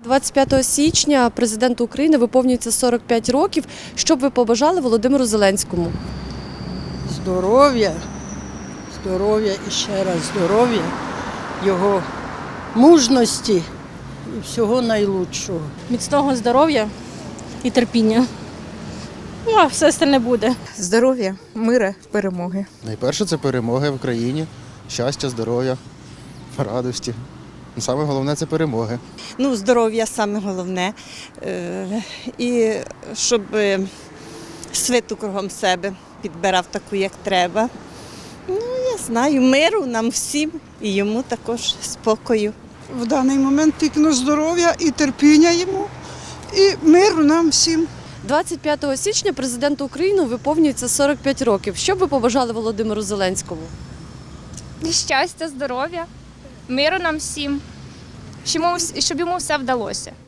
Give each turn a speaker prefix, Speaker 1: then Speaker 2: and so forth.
Speaker 1: 25 січня президенту України виповнюється 45 років. Що б ви побажали Володимиру Зеленському?
Speaker 2: Здоров'я, здоров'я і ще раз здоров'я, його мужності і всього найлучшого.
Speaker 3: Міцного здоров'я і терпіння. Ну, а все остальне буде.
Speaker 4: Здоров'я, мира, перемоги.
Speaker 5: Найперше це перемоги в Україні, щастя, здоров'я, радості. Саме головне це перемоги.
Speaker 6: Ну, здоров'я саме головне. І щоб свиту кругом себе підбирав таку, як треба. Ну, я знаю, миру нам всім і йому також спокою.
Speaker 7: В даний момент тільки на здоров'я і терпіння йому, і миру нам всім.
Speaker 1: 25 січня президенту України виповнюється 45 років. Що б ви побажали Володимиру Зеленському?
Speaker 8: Щастя, здоров'я, миру нам всім, щоб йому все вдалося.